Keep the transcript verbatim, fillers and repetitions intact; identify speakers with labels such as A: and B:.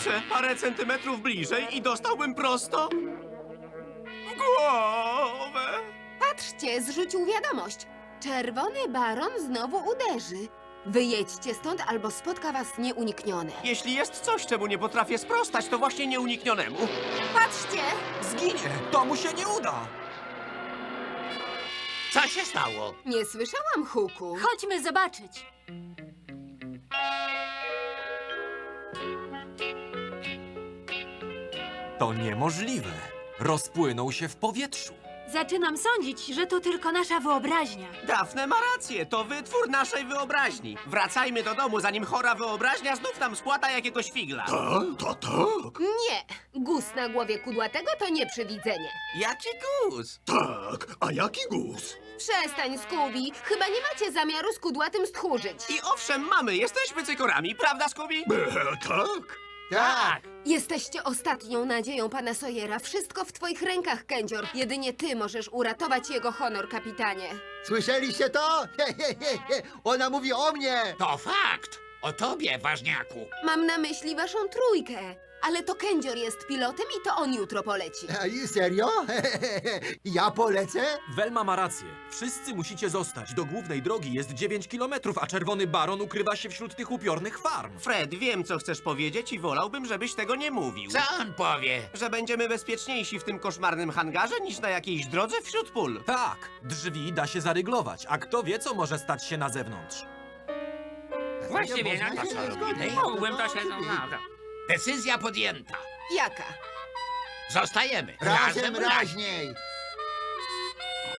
A: Kurczę, parę centymetrów bliżej i dostałbym prosto w głowę.
B: Patrzcie, zrzucił wiadomość. Czerwony baron znowu uderzy. Wyjedźcie stąd, albo spotka was nieuniknione.
A: Jeśli jest coś, czemu nie potrafię sprostać, to właśnie nieuniknionemu.
B: Patrzcie!
C: Zginie! To mu się nie uda!
D: Co się stało?
B: Nie słyszałam huku.
E: Chodźmy zobaczyć.
C: To niemożliwe. Rozpłynął się w powietrzu.
E: Zaczynam sądzić, że to tylko nasza wyobraźnia.
A: Dafne ma rację, to wytwór naszej wyobraźni. Wracajmy do domu, zanim chora wyobraźnia znów nam spłata jakiegoś figla.
F: Tak, tak, tak.
B: Nie! Guz na głowie kudłatego to nieprzywidzenie.
A: Jaki guz?
F: Tak, a jaki guz?
B: Przestań, Scooby. Chyba nie macie zamiaru z kudłatym stchórzyć.
A: I owszem, mamy, jesteśmy cykorami, prawda, Scooby?
F: E, tak.
D: Tak!
B: Jesteście ostatnią nadzieją pana Sawyera. Wszystko w twoich rękach, Kędzior. Jedynie ty możesz uratować jego honor, kapitanie.
G: Słyszeliście to? He, he, he, he. Ona mówi o mnie!
D: To fakt! O tobie, ważniaku!
B: Mam na myśli waszą trójkę. Ale to Kędzior jest pilotem i to on jutro poleci.
G: A, i serio? He, he, he. Ja polecę?
C: Welma ma rację. Wszyscy musicie zostać. Do głównej drogi jest dziewięć kilometrów, a czerwony baron ukrywa się wśród tych upiornych farm.
A: Fred, wiem, co chcesz powiedzieć i wolałbym, żebyś tego nie mówił.
D: Co on powie?
A: Że będziemy bezpieczniejsi w tym koszmarnym hangarze niż na jakiejś drodze wśród pól.
C: Tak, drzwi da się zaryglować, a kto wie, co może stać się na zewnątrz.
D: Właściwie na to, co robimy, mógłbym to się... No, no. Decyzja podjęta.
B: Jaka?
D: Zostajemy.
G: Razem
D: razem.
G: raźniej!